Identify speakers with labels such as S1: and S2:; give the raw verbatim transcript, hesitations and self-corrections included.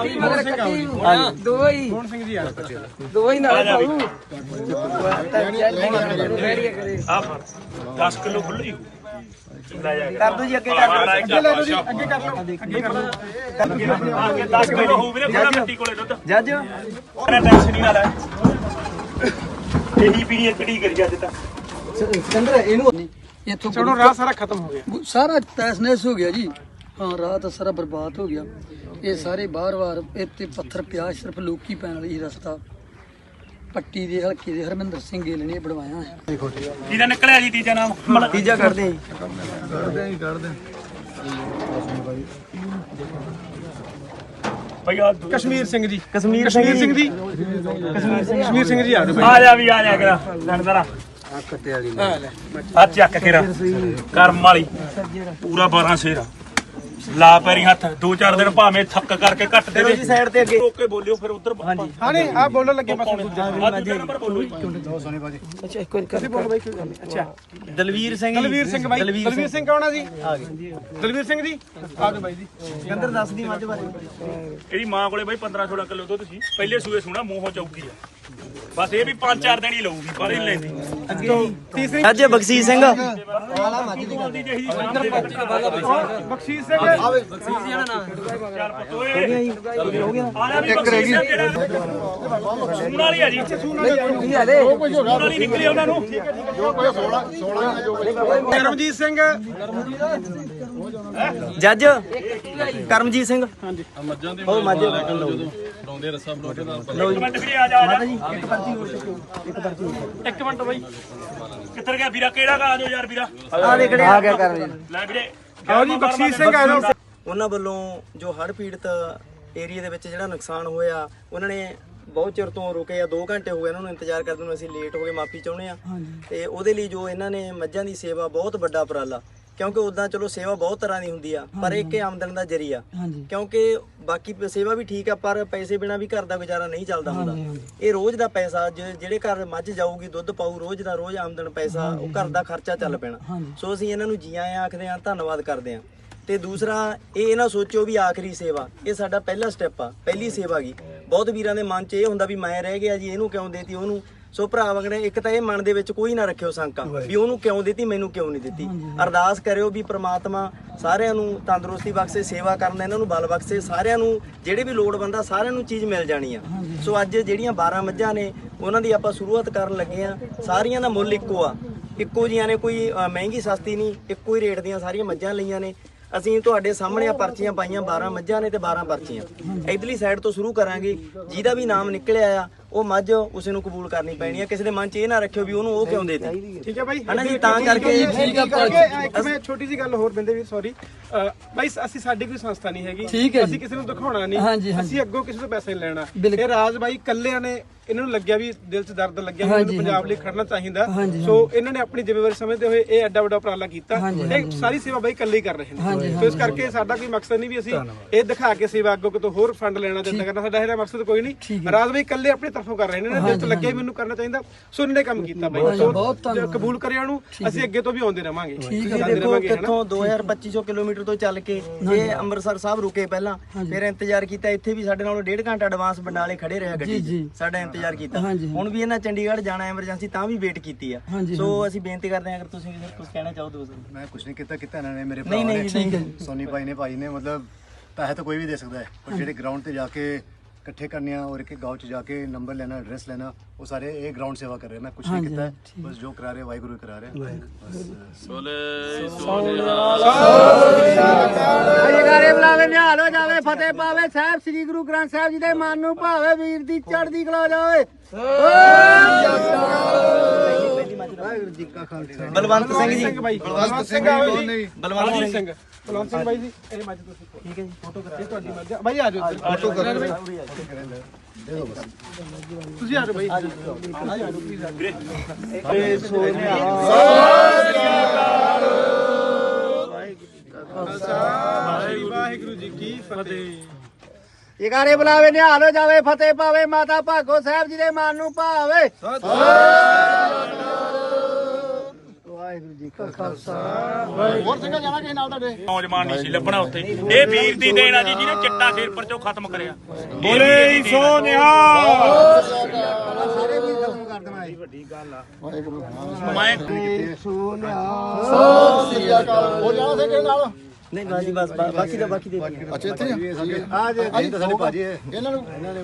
S1: ਦੋ ਹੀ ਕੌਣ ਸਿੰਘ ਜੀ ਆ ਦੋ ਹੀ ਨਾਲ ਪਾਉ
S2: ਦਸ ਕਿਲੋ ਖੁੱਲੀ
S1: ਕਰ ਦੋ ਜੀ ਅੱਗੇ ਕਰ ਲਓ
S2: ਅੱਗੇ ਲੈ ਲਓ ਜੀ ਅੱਗੇ ਕਰ ਲਓ ਅੱਗੇ ਕਰ ਲਓ ਅੱਗੇ ਦਸ ਕਿਲੋ ਹੋ ਵੀਰੇ ਬੜਾ ਮਿੱਟੀ ਕੋਲੇ ਦੁੱਧ
S1: ਜੱਜ
S2: ਉਹਨੇ ਟੈਨਸ਼ਨ ਨਹੀਂ ਨਾ ਲੈ ਇਹੀ ਪੀੜੀ ਇਕੜੀ ਕਰੀ ਅੱਜ ਤੱਕ
S1: ਸਿਕੰਦਰ ਇਹਨੂੰ ਇੱਥੋਂ
S3: ਚਲੋ ਰਾਹ ਸਾਰਾ ਖਤਮ ਹੋ ਗਿਆ
S1: ਸਾਰਾ ਤੈਸਨੈਸ ਹੋ ਗਿਆ ਜੀ ਹਾਂ ਰਾਹ ਤਾਂ ਸਾਰਾ ਬਰਬਾਦ ਹੋ ਗਿਆ ਇਹ ਸਾਰੇ ਬਾਰ-ਬਾਰ ਇੱਥੇ ਪੱਥਰ ਪਿਆ ਸਿਰਫ ਲੋਕੀ ਪੈਣ ਵਾਲੀ ਰਸਤਾ ਪੱਟੀ ਦੇ ਹਲਕੇ ਦੇ ਹਰਮਿੰਦਰ ਸਿੰਘ ਗਿੱਲ ਨੇ ਬਣਵਾਇਆ ਹੈ
S2: ਕਿਹਦਾ ਨਿਕਲਿਆ ਜੀ ਤੀਜਾ ਨਾਮ
S1: ਤੀਜਾ ਕੱਢਦੇ ਜੀ
S3: ਕੱਢਦੇ ਹੀ ਕੱਢਦੇ
S2: ਭਾਈ ਆ
S3: ਕਸ਼ਮੀਰ ਸਿੰਘ ਜੀ
S1: ਕਸ਼ਮੀਰ
S3: ਕਸ਼ਮੀਰ ਸਿੰਘ ਜੀ ਕਸ਼ਮੀਰ ਸਿੰਘ ਜੀ ਆ ਜਾਓ
S2: ਆ ਜਾ ਵੀ ਆ ਜਾ ਕਰਾ ਲੰਡਰਾ
S1: ਆ ਕੱਟੇ ਵਾਲੀ
S2: ਆ ਚੱਕ ਕੇ ਰ ਕਰਮ ਵਾਲੀ ਪੂਰਾ ਬਾਰਾਂ ਸ਼ੇਰ ਲਾ ਪੈਰੀ ਹੱਥ ਦੋ ਚਾਰ ਦਿਨ ਭਾਵੇਂ ਥੱਕ ਕਰਕੇ ਘੱਟ ਦੇ
S1: ਜੀ ਸਾਈਡ ਤੇ ਅੱਗੇ
S2: ਰੋਕ ਕੇ ਬੋਲਿਓ ਫਿਰ ਉਧਰ
S3: ਹਾਂ ਨਹੀਂ ਆ ਬੋਲਣ ਲੱਗੇ ਬਸ ਦੂਜਾ
S2: ਦੂਜਾ ਨੰਬਰ ਬੋਲੋ
S3: ਸੋਨੀ ਬਾਜੀ
S1: ਅੱਛਾ ਇੱਕ ਵਾਰ
S3: ਤੁਸੀਂ ਬੋਲੋ ਬਾਈ ਕੋਈ ਗੱਲ ਨਹੀਂ ਅੱਛਾ
S1: ਦਲਵੀਰ ਸਿੰਘ
S3: ਦਲਵੀਰ ਸਿੰਘ ਬਾਈ ਦਲਵੀਰ ਸਿੰਘ ਕੌਣ ਆ ਜੀ ਆ ਗਏ ਦਲਵੀਰ ਸਿੰਘ ਜੀ ਆ ਜਾਓ ਬਾਈ ਜੀ
S1: ਸਿਕੰਦਰ ਦੱਸ ਦੀ ਮੱਝ ਬਾਰੇ
S2: ਇਹਦੀ ਮਾਂ ਕੋਲੇ ਬਾਈ ਪੰਦਰਾਂ ਸੋਲਾਂ ਕਿਲੋ ਦੁੱਧ ਸੀ ਪਹਿਲੇ ਸੂਏ ਸੁਣਾ ਮੂੰਹੋਂ ਚੌਕੀ ਆ ਬਸ ਇਹ ਵੀ ਪੰਜ ਚਾਰ ਦਿਨ ਹੀ ਲਊਗੀ ਪਰ ਹੀ ਲੈਂਦੀ
S3: ਅੱਗੇ ਤੀਸਰੀ
S1: ਅੱਜ ਬਖਸ਼ੀਸ਼ ਸਿੰਘ
S2: ਵਾਲਾ ਮੱਝ ਦੀ ਗੱਲ
S3: ਬਖਸ਼ੀਸ਼ ਸਿੰਘ
S2: ਬਖਸ਼ੀਸ਼ ਜਿਹੜਾ ਨਾ ਚੱਲ ਪਤੋਏ ਹੋ ਗਿਆ ਇੱਕ ਰਹਿ ਗਈ ਸੂਣ ਵਾਲੀ ਆ ਜੀ
S1: ਕੀ ਹਾਲੇ
S2: ਸੂਣ ਵਾਲੀ ਨਿਕਲੀ ਉਹਨਾਂ ਨੂੰ
S3: ਕਰਮਜੀਤ ਸਿੰਘ
S1: ਜੱਜ ਕਰਮਜੀਤ ਸਿੰਘ
S3: ਹਾਂਜੀ
S1: ਮੱਝਾਂ ਦੇ ਉਹ ਮੱਝ
S3: ਲਾਉਂਦੇ ਰੱਸਾ ਬਰੋਟੇ ਦਾ
S2: ਇੱਕ ਮਿੰਟ ਵੀਰੇ ਆ ਜਾ ਆ ਜਾ
S1: ਜੀ ਇੱਕ ਪਰਚੀ ਹੋਰ ਇੱਕ ਪਰਚੀ
S2: ਇੱਕ ਮਿੰਟ ਬਾਈ ਕਿੱਧਰ ਗਿਆ ਵੀਰਾ ਕਿਹੜਾ ਗਾ ਆ ਜਾਓ ਯਾਰ ਵੀਰਾ
S1: ਆ ਦੇਖੜੇ ਆ ਗਿਆ ਕਰਮਜੀਤ
S2: ਲੈ ਵੀਰੇ
S3: ਆਓ ਜੀ ਬਖਸ਼ੀਸ਼ ਸਿੰਘ ਆ ਜਾਓ
S1: ਉਹਨਾਂ ਵੱਲੋਂ ਜੋ ਹੜ੍ਹ ਪੀੜਤ ਏਰੀਆ ਦੇ ਵਿੱਚ ਜਿਹੜਾ ਨੁਕਸਾਨ ਹੋਇਆ ਉਹਨਾਂ ਨੇ ਬਹੁਤ ਚਿਰ ਤੋਂ ਰੁਕੇ ਆ ਦੋ ਘੰਟੇ ਹੋ ਗਏ ਇਹਨਾਂ ਨੂੰ ਇੰਤਜ਼ਾਰ ਕਰਦੇ ਨੂੰ ਅਸੀਂ ਲੇਟ ਹੋ ਗਏ ਮਾਫੀ ਚਾਹੁੰਦੇ ਆ ਤੇ ਉਹਦੇ ਲਈ ਜੋ ਇਹਨਾਂ ਨੇ ਮੱਝਾਂ ਦੀ ਸੇਵਾ ਬਹੁਤ ਵੱਡਾ ਉਪਰਾਲਾ ਕਿਉਂਕਿ ਉਦਾਂ ਚਲੋ ਸੇਵਾ ਬਹੁਤ ਤਰ੍ਹਾਂ ਦੀ ਹੁੰਦੀ ਆ ਪਰ ਇੱਕ ਆਮਦਨ ਦਾ ਜ਼ਰੀਆ ਕਿਉਂਕਿ ਬਾਕੀ ਸੇਵਾ ਵੀ ਠੀਕ ਆ ਪਰ ਪੈਸੇ ਬਿਨਾ ਵੀ ਘਰ ਦਾ ਗੁਜ਼ਾਰਾ ਨਹੀਂ ਚੱਲਦਾ ਹੁੰਦਾ ਇਹ ਰੋਜ਼ ਦਾ ਪੈਸਾ ਜਿਹੜੇ ਘਰ ਮੱਝ ਜਾਊਗੀ ਦੁੱਧ ਪਾਊ ਰੋਜ਼ ਦਾ ਰੋਜ਼ ਆਮਦਨ ਪੈਸਾ ਉਹ ਘਰ ਦਾ ਖਰਚਾ ਚੱਲ ਪੈਣਾ ਸੋ ਅਸੀਂ ਇਹਨਾਂ ਨੂੰ ਜੀ ਆਇਆਂ ਆਖਦੇ ਆ ਧੰਨਵਾਦ ਕਰਦੇ ਆ ਤੇ ਦੂਸਰਾ ਇਹ ਨਾ ਸੋਚਿਓ ਵੀ ਆਖਰੀ ਸੇਵਾ ਇਹ ਸਾਡਾ ਪਹਿਲਾ ਸਟੈਪ ਆ ਪਹਿਲੀ ਸੇਵਾ ਗਈ ਬਹੁਤ ਵੀਰਾਂ ਦੇ ਮਨ 'ਚ ਇਹ ਹੁੰਦਾ ਵੀ ਮੈਂ ਰਹਿ ਗਿਆ ਜੀ ਇਹਨੂੰ ਕਿਉਂ ਦੇਤੀ ਉਹਨੂੰ ਸੋ ਭਰਾ ਵਗਣੇ ਇੱਕ ਤਾਂ ਇਹ ਮਨ ਦੇ ਵਿੱਚ ਕੋਈ ਨਾ ਰੱਖਿਓ ਸ਼ੰਕਾ ਵੀ ਉਹਨੂੰ ਕਿਉਂ ਦਿੱਤੀ ਮੈਨੂੰ ਕਿਉਂ ਨਹੀਂ ਦਿੱਤੀ ਅਰਦਾਸ ਕਰਿਓ ਵੀ ਪ੍ਰਮਾਤਮਾ ਸਾਰਿਆਂ ਨੂੰ ਤੰਦਰੁਸਤੀ ਬਖਸ਼ੇ ਸੇਵਾ ਕਰਨ ਦਾ ਇਹਨਾਂ ਨੂੰ ਬਲ ਬਖਸ਼ੇ ਸਾਰਿਆਂ ਨੂੰ ਜਿਹੜੇ ਵੀ ਲੋੜਵੰਦ ਆ ਸਾਰਿਆਂ ਨੂੰ ਚੀਜ਼ ਮਿਲ ਜਾਣੀ ਆ ਸੋ ਅੱਜ ਜਿਹੜੀਆਂ ਬਾਰਾਂ ਮੱਝਾਂ ਨੇ ਉਹਨਾਂ ਦੀ ਆਪਾਂ ਸ਼ੁਰੂਆਤ ਕਰਨ ਲੱਗੇ ਆ ਸਾਰੀਆਂ ਦਾ ਮੁੱਲ ਇੱਕੋ ਆ ਇੱਕੋ ਜੀਆਂ ਨੇ ਕੋਈ ਮਹਿੰਗੀ ਸਸਤੀ ਨਹੀਂ ਇੱਕੋ ਹੀ ਰੇਟ ਦੀਆਂ ਸਾਰੀਆਂ ਮੱਝਾਂ ਲਈਆਂ ਨੇ ਅਸੀਂ ਤੁਹਾਡੇ ਸਾਹਮਣੇ ਆ ਪਰਚੀਆਂ ਪਾਈਆਂ ਬਾਰਾਂ ਮੱਝਾਂ ਨੇ ਤੇ ਬਾਰਾਂ ਪਰਚੀਆਂ ਇਧਰਲੀ ਸਾਈਡ ਤੋਂ ਸ਼ੁਰੂ ਕਰਾਂਗੇ ਜਿਹਦਾ ਵੀ ਨਾਮ ਨਿਕਲਿਆ ਆ ਉਹ ਮੱਝ ਉਸੇ ਨੂੰ ਕਬੂਲ ਕਰਨੀ ਪੈਣੀ ਆ ਕਿਸੇ ਦੇ ਮਨ 'ਚ ਇਹ ਨਾ ਰੱਖਿਓ ਵੀ ਉਹਨੂੰ ਉਹ ਕਿਉਂ ਦੇਤੀ
S3: ਠੀਕ ਹੈ ਬਾਈ
S1: ਹਨਾ ਜੀ ਤਾਂ ਕਰਕੇ
S3: ਠੀਕ ਆ ਇੱਕ ਮੈਂ ਛੋਟੀ ਜੀ ਗੱਲ ਹੋਰ ਬੰਦੇ ਵੀ ਸੌਰੀ ਬਾਈ ਅਸੀਂ ਸਾਡੀ ਕੋਈ ਸੰਸਥਾ ਨਹੀਂ ਹੈਗੀ ਅਸੀਂ ਕਿਸੇ ਨੂੰ ਦਿਖਾਉਣਾ ਨਹੀਂ ਅਸੀਂ ਅੱਗੋਂ ਕਿਸੇ ਤੋਂ ਪੈਸੇ ਨਹੀਂ ਲੈਣਾ ਇਹ ਰਾਜ ਬਾਈ ਕੱਲਿਆਂ ਨੇ ਇਹਨਾਂ ਨੂੰ ਲੱਗਿਆ ਵੀ ਦਿਲ 'ਚ ਦਰਦ ਲੱਗਿਆ ਵੀ ਇਹਨੂੰ ਪੰਜਾਬ ਲਈ ਖੜਨਾ ਚਾਹੀਦਾ ਸੋ ਇਹਨਾਂ ਨੇ ਆਪਣੀ ਜ਼ਿੰਮੇਵਾਰੀ ਸਮਝਦੇ ਹੋਏ ਇਹ ਐਡਾ ਵੱਡਾ ਉਪਰਾਲਾ ਕੀਤਾ ਇਹ ਸਾਰੀ ਸੇਵਾ ਬਾਈ ਇਕੱਲੇ ਹੀ ਕਰ ਰਹੇ ਨੇ ਸੋ ਇਸ ਕਰਕੇ ਸਾਡਾ ਕੋਈ ਮਕਸਦ ਨਹੀਂ ਵੀ ਅਸੀਂ ਇਹ ਦਿਖਾ ਕੇ ਸੇਵਾ ਅੱਗੋਂ ਕਿਤੋਂ ਹੋਰ ਫੰਡ ਲੈਣਾ ਦਿੰਦਾ ਕਰਨਾ ਸਾਡਾ ਇਹਦਾ ਮਕਸਦ ਕੋਈ ਨਹੀਂ ਰਾਜ ਬਾਈ ਇਕੱਲੇ ਆਪਣੇ ਤਰਫੋਂ ਕਰ ਰਹੇ ਨੇ ਦਿਲ 'ਚ ਲੱਗਿਆ ਮੈਨੂੰ ਕਰਨਾ ਚਾਹੀਦਾ ਸੋ ਇਹਨਾਂ ਨੇ ਕੰਮ ਕੀਤਾ ਬਾਈ ਸੋ ਕਬੂਲ ਕਰਿਆ ਉਹਨੂੰ ਅਸੀਂ ਅੱਗੇ ਤੋਂ ਵੀ ਆਉਂਦੇ ਰਵਾਂਗੇ
S1: ਦੇਖੋ ਕਿੱਥੋਂ ਦੋ ਹਜ਼ਾਰ ਪੱਚੀ ਸੌ ਕਿਲੋਮੀਟਰ ਤੋਂ ਚੱਲ ਕੇ ਇਹ ਅੰਮ੍ਰਿਤਸਰ ਸਾਹਿਬ ਰੁਕੇ ਪਹਿਲਾਂ ਫਿਰ ਇੰਤਜ਼ਾਰ ਕੀਤਾ ਇੱਥੇ ਵੀ ਸਾਡੇ ਨਾਲੋਂ ਡੇਢ ਘੰਟਾ ਐਡਵਾਂਸ ਬੰਡਾਲੇ ਖੜੇ ਰਿਹਾ ਗੱਡੀ ਸਾਡਾ ਇੰਤਜ਼ਾਰ ਕੀਤਾ ਹੁਣ ਵੀ ਇਹਨਾਂ ਚੰਡੀਗੜ੍ਹ ਜਾਣਾ ਐਮਰਜੈਂਸੀ ਤਾਂ ਵੀ ਵੇਟ ਕੀਤੀ ਆ ਸੋ ਅਸੀਂ ਬੇਨਤੀ ਕਰਦੇ ਹਾਂ ਅਗਰ ਤੁਸੀਂ ਕੁਝ ਕਹਿਣਾ ਚਾਹੋ ਦੋਸਤੋ
S4: ਮੈਂ ਕੁਝ ਨਹੀਂ ਕੀਤਾ ਕੀਤਾ ਇਹਨਾਂ ਨੇ ਮੇਰੇ ਭਰਾ ਨੇ ਸੋਨੀ ਭਾਈ ਨੇ ਭਾਈ ਨੇ ਮਤਲਬ ਪੈਸੇ ਤਾਂ ਕੋਈ ਵੀ ਦੇ ਸਕਦਾ ਹੈ ਪਰ ਜਿਹੜੇ ਗਰਾਊਂਡ ਤੇ ਜਾ ਕੇ ਇਕੱਠੇ ਕਰਨੇ ਆ ਔਰ ਇੱਕ ਗਾँव ਚ ਜਾ ਕੇ ਨੰਬਰ ਲੈਣਾ ਐਡਰੈਸ ਲੈਣਾ ਉਹ ਸਾਰੇ ਇਹ ਗਰਾਊਂਡ ਸੇਵਾ ਕਰ ਰਹੇ ਮੈਂ ਕੁਝ ਨਹੀਂ ਕੀਤਾ ਬਸ ਜੋ ਕਰਾ ਰਹੇ ਵਾਹਿਗੁਰੂ ਕਰਾ ਰਹੇ
S2: ਸੋਲੇ
S5: ਜਗਾਰੇ ਬੁਲਾਵੇ ਨਿਹਾਲ ਹੋ ਜਾਵੇ ਫਤਿਹ ਪਾਵੇ ਸਾਹਿਬ ਸ੍ਰੀ ਗੁਰੂ ਗ੍ਰੰਥ ਸਾਹਿਬ ਜੀ ਦੇ ਮਨ ਨੂੰ ਭਾਵੇ ਵੀਰ ਦੀ ਚੜ੍ਹਦੀ ਕਲਾ ਜਾਵੇ
S4: ਵਾਹਿਗੁਰੂ ਜੀ ਕਾ ਖਾਲਸਾ
S1: ਬਲਵੰਤ ਸਿੰਘ ਜੀ
S3: ਬਲਵੰਤ ਸਿੰਘ
S1: ਬਲਵੰਤ ਸਿੰਘ
S3: ਬਲਵੰਤ ਸਿੰਘ ਬਾਈ ਜੀ ਇਹ ਮੱਝ ਤੁਸੀਂ ਠੀਕ ਹੈ ਜੀ ਫੋਟੋ ਕਰਾਓ ਤੁਹਾਡੀ ਮੱਝ ਬਾਈ ਆ ਜਾਓ ਫੋਟੋ ਕਰਾਓ ਤੁਸੀਂ ਆ ਜਾਓ ਬਾਈ ਆ ਜਾਓ ਆ ਜਾਓ ਪਲੀਜ਼
S2: ਵੀਰੇ
S3: ਸੋਨਿਆ ਵਾਹਿਗੁਰੂ ਜੀ ਕੀ ਫਤਿਹ
S5: ਜਗਾਰੇ ਬੁਲਾਵੇ ਨਿਹਾਲ ਹੋ ਜਾਵੇ ਫਤਿਹ ਪਾਵੇ ਮਾਤਾ ਭਾਗੋ ਸਾਹਿਬ ਜੀ ਦੇ ਮਨ ਨੂੰ ਭਾਵੇ ਵਾਹਿਗੁਰੂ ਜੀ ਕਾ ਖਾਲਸਾ
S6: ਹੋਰ ਸਿੰਘਾਂ ਜਾਣਾ ਕਿਸੇ ਨਾਲ ਤੁਹਾਡੇ?
S2: ਨੌਜਵਾਨ ਨਹੀਂ ਸੀ ਲੱਭਣਾ ਉੱਥੇ। ਇਹ ਵੀਰ ਦੀ ਦੇਣ ਆ ਜੀ ਜਿਹਨੇ ਚਿੱਟਾ ਸਿਰ ਪਰ ਚੋਂ ਖਤਮ ਕਰਿਆ।
S3: ਬੋਲੇ ਸੋ ਨਿਹਾਲ।
S5: ਸਾਰੇ ਵੀ ਖਤਮ ਕਰ ਦੇਣਾ ਇਹ ਵੱਡੀ ਗੱਲ ਆ
S2: ਮੈਂ
S6: ਸਤਿ ਸ੍ਰੀ ਅਕਾਲ। ਹੋਰ ਜਾਣਾ ਸਿੰਘ ਕਿਸੇ ਨਾਲ?
S1: ਨਹੀਂ ਬਾਜੀ ਬਸ ਬਾਕੀ ਦਾ ਬਾਕੀ ਦੇ
S6: ਅੱਛਾ ਇੱਥੇ
S4: ਆ ਜੇ ਸਾਡੇ ਭਾਜੀ
S6: ਇਹਨਾਂ ਨੂੰ